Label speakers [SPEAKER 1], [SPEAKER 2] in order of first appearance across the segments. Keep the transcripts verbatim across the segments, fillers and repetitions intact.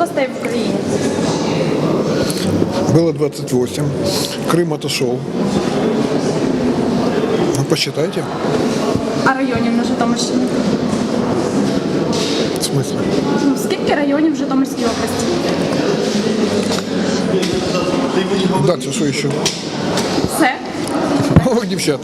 [SPEAKER 1] областей в Україні?
[SPEAKER 2] Было двадцать восемь. Крым отошел. Ну, посчитайте.
[SPEAKER 1] А районів на Житомирщині?
[SPEAKER 2] В смысле?
[SPEAKER 1] Ну, скільки районів в Житомирській області?
[SPEAKER 2] Дальше что еще?
[SPEAKER 1] Все.
[SPEAKER 2] Ох, девчата.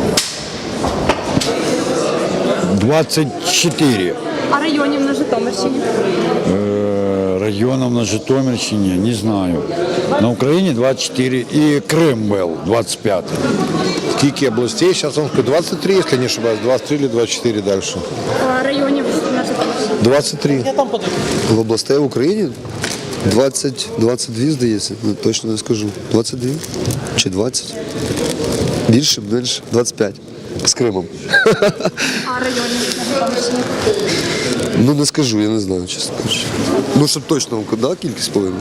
[SPEAKER 3] двадцать четыре.
[SPEAKER 1] А районів на Житомирщині?
[SPEAKER 3] Э, районов на Житомирщине, не знаю. На Украине двадцать четыре и Крым был двадцать пять.
[SPEAKER 4] Скільки областей? Сейчас он двадцать три, если не ошибаюсь. двадцать три или двадцать четыре дальше.
[SPEAKER 1] А районів на Житомирщині?
[SPEAKER 4] двадцять три.
[SPEAKER 5] В областей в Україні двадцять, двадцять два, здається, ну, точно не скажу. двадцять два чи двадцять? Більше, менше, двадцять п'ять. З Кримом.
[SPEAKER 1] А районів на Житомирщині?
[SPEAKER 5] Ну не скажу, я не знаю, чесно кажучи. Ну, щоб точно, да, кількість повинна.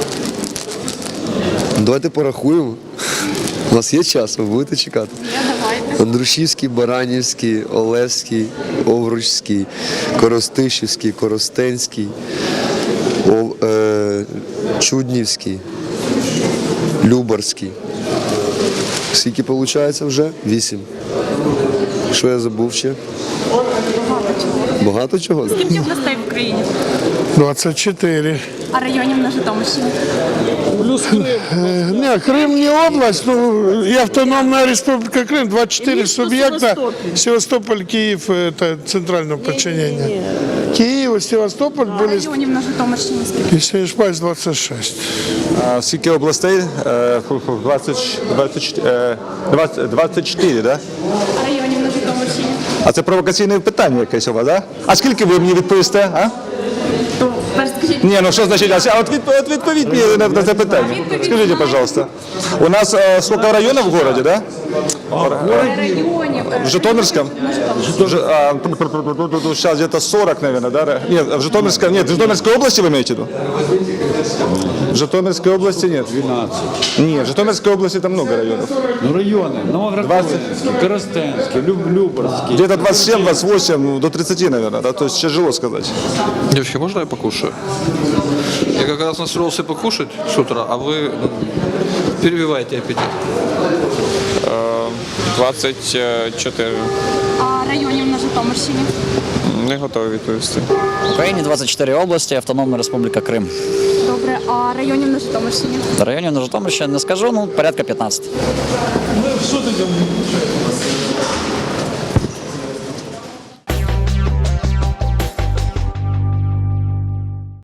[SPEAKER 5] Давайте порахуємо. У нас є час, ви будете чекати.
[SPEAKER 1] Я давайте.
[SPEAKER 5] Андрушівський, Баранівський, Олевський, Овручський, Коростишівський, Коростенський, О, е, Чуднівський, Любарський. Скільки виходить вже? Вісім. Що я забув ще? Багато чого?
[SPEAKER 1] Скільки областей в Україні?
[SPEAKER 2] двадцать четыре.
[SPEAKER 1] А районів на Житомирщині?
[SPEAKER 2] Не, Крым не область, ну и автономная республика Крым, двадцать четыре субъекта. Севастополь, Киев, это центральное подчинение. Киев и Севастополь
[SPEAKER 1] А
[SPEAKER 2] были,
[SPEAKER 1] районів на Житомирщині скільки?
[SPEAKER 2] если не ошибаюсь, двадцать шесть.
[SPEAKER 6] А скільки областей? Е, фу- фу, двадцять, двадцять, е, двадцять, двадцять чотири, да?
[SPEAKER 1] А районів на Житомирщині?
[SPEAKER 6] А це провокаційне питання якесь у вас, да? А скільки ви мені відповісте, а?
[SPEAKER 1] То перш скажіть.
[SPEAKER 6] Ні, ну що значить, а от відповідь, от відповідь мені на, на це питання. Скажіть, пожалуйста. У нас е, скільки районів в городі, да?
[SPEAKER 1] Районів.
[SPEAKER 6] В Житомирском? Сейчас где-то сорок, наверное, да? Нет, в Житомирском, нет, в Житомирской области вы имеете в виду? В Житомирской области нет.
[SPEAKER 3] двенадцать.
[SPEAKER 6] Нет, в Житомирской области там много районов.
[SPEAKER 3] Ну, районы. Новоград-Волынский, Коростенский, Люб- Любарский.
[SPEAKER 6] Где-то двадцать семь, двадцать восемь, ну, до тридцати, наверное, да? То есть тяжело сказать.
[SPEAKER 7] Девочки, можно я покушаю? Я как раз настроился покушать с утра, а вы ну, перебиваете аппетит.
[SPEAKER 8] двадцять чотири.
[SPEAKER 1] А районів на Житомирщині?
[SPEAKER 8] Не готовий відповісти.
[SPEAKER 9] В Україні двадцять чотири області, Автономна Республіка Крим.
[SPEAKER 1] Добре, а районів на Житомирщині?
[SPEAKER 9] Районів на Житомирщині не скажу, ну порядка п'ятнадцять.